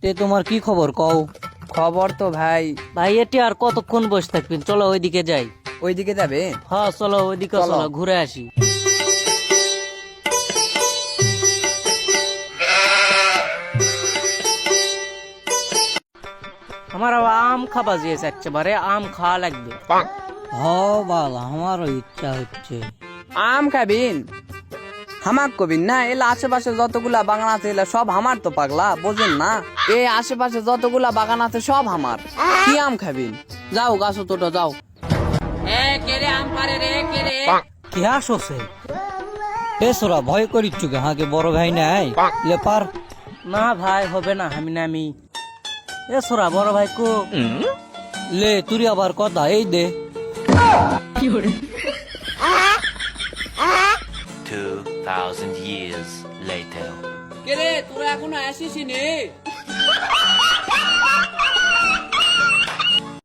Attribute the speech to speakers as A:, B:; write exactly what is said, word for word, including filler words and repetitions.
A: তে তোমার কি খবর কও?
B: খবর তো ভাই।
A: ভাই এটি আর কতক্ষণ বসে থাকবেন, চলো ওইদিকে যাই।
B: ওইদিকে যাবে?
A: হ্যাঁ চলো ওইদিকে,
B: চলো।
A: চলো ঘুরে আসি। আমার আবার আম খাবা জিয়েছে, একেবারে আম খাওয়া লাগবে। হ বাল, আমারও ইচ্ছা হচ্ছে।
B: আম খাবিন? হামাক কবিন না, এলা আশেপাশে যতগুলা বাগান আছে এলা সব আমার তো পাগলা, বোঝেন না? এ আশেপাশে যতগুলা বাগান আছে সব আমার। কি আম খাবিন? যাও গাছ তোটো যাও।
A: কি আসছে? এ সোরা ভয় করিচ্ছু কে? হাঁকে বড় ভাই নাই লে পার। না ভাই হবে না, আমি নামি। এ সোরা বড় ভাই কো লে, তুই আবার কথা এই দে।
C: Two thousand years later.
B: কে রে, তোরা এখনো আসিস নি?